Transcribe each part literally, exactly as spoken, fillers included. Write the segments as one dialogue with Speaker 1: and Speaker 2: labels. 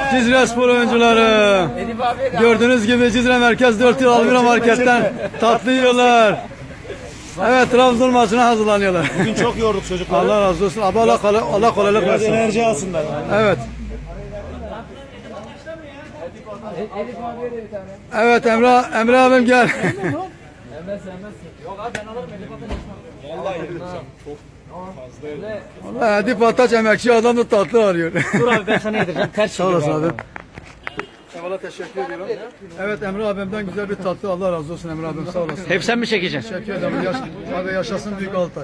Speaker 1: Cizre Spor oyuncuları. Gördüğünüz gibi Cizre Merkez dört yıl Almira Market'ten tatlı yiyorlar. Evet, Trabzon maçına hazırlanıyorlar.
Speaker 2: Bugün çok yorduk çocukları.
Speaker 1: Allah razı olsun. Abi Allah, kolay, Allah kolaylık
Speaker 2: Biraz
Speaker 1: versin.
Speaker 2: enerji alsınlar.
Speaker 1: Evet. Evet Emre, Emre abim gel. Vallahi Edip Ataç emekçi adam da tatlı arıyor.
Speaker 3: Dur abi ben sana yedireceğim. Ters
Speaker 1: Sağ olasın abi. Eyvallah, teşekkür ediyorum. Evet Emre abimden güzel bir tatlı, Allah razı olsun Emre abim, sağ olasın.
Speaker 3: Hep sen mi çekeceksin?
Speaker 1: Teşekkür ederim. Yaş, abi yaşasın büyük Altay.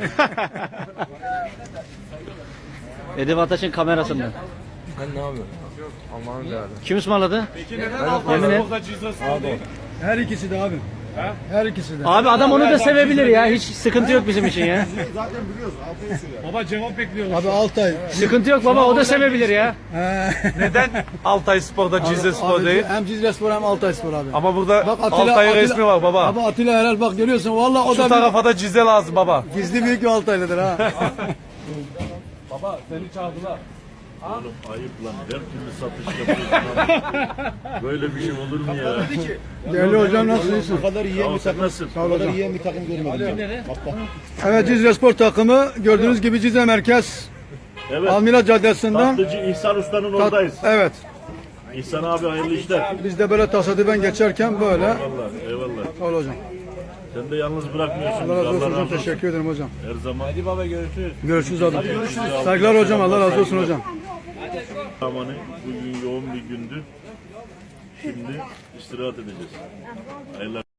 Speaker 3: Edip Ataş'ın kamerasında.
Speaker 2: Ben ne yapıyorum? Allah'ın değerli.
Speaker 3: Kim ısmarladı? Yemin et.
Speaker 1: Her ikisi de abi. Her ikisi de.
Speaker 3: Abi adam onu da sevebilir ya. Hiç sıkıntı yok bizim için ya.
Speaker 2: Zaten biliyoruz. Altay'ı sürüyor.
Speaker 4: Baba cevap bekliyoruz.
Speaker 1: Abi Altay.
Speaker 3: Sıkıntı yok baba, o da sevebilir ya.
Speaker 1: He.
Speaker 4: Neden Altay Spor'da Cizre Spor
Speaker 1: Abi,
Speaker 4: değil?
Speaker 1: Hem Cizre Spor hem Altay Spor abi.
Speaker 4: Ama burada
Speaker 1: Bak Atilla,
Speaker 4: Altay'ın
Speaker 1: Atilla-
Speaker 4: resmi var baba.
Speaker 1: Abi Atilla Herhal bak görüyorsun. Vallahi o
Speaker 4: Şu
Speaker 1: da bir,
Speaker 4: tarafa da Cizre lazım baba.
Speaker 1: gizli büyük bir Altaylıdır ha.
Speaker 4: Baba seni çağırdılar.
Speaker 5: Oğlum ayıp lan. Her türlü satış yapıyorsun abi. Böyle bir şey olur mu ya?
Speaker 1: Değerli hocam, nasılsın?
Speaker 2: Bu kadar yiyen bir takım.
Speaker 5: Nasıl?
Speaker 2: Bu kadar yiyen bir takım görmedim. Bak bak.
Speaker 1: Evet, Cizre Spor takımı gördüğünüz gibi Cizre Merkez
Speaker 5: Evet.
Speaker 1: Almira Caddesi'nden.
Speaker 5: Tatlıcı İhsan Usta'nın
Speaker 1: Tat-
Speaker 5: oradayız.
Speaker 1: Evet.
Speaker 5: İhsan abi hayırlı işler.
Speaker 1: Biz de böyle tasadüfen geçerken böyle.
Speaker 5: Eyvallah, eyvallah.
Speaker 1: Sağ ol hocam.
Speaker 5: Sen de yalnız bırakmıyorsun.
Speaker 1: Allah razı olsun
Speaker 5: Allah
Speaker 1: hocam.
Speaker 5: razı olsun.
Speaker 1: Teşekkür ederim hocam.
Speaker 5: Her zaman. Hadi baba görüşürüz.
Speaker 1: Görüşürüz abi. Saygılar hocam. Allah razı olsun hocam.
Speaker 5: Amanı bugün yoğun bir gündü. Şimdi istirahat edeceğiz. Hayırlı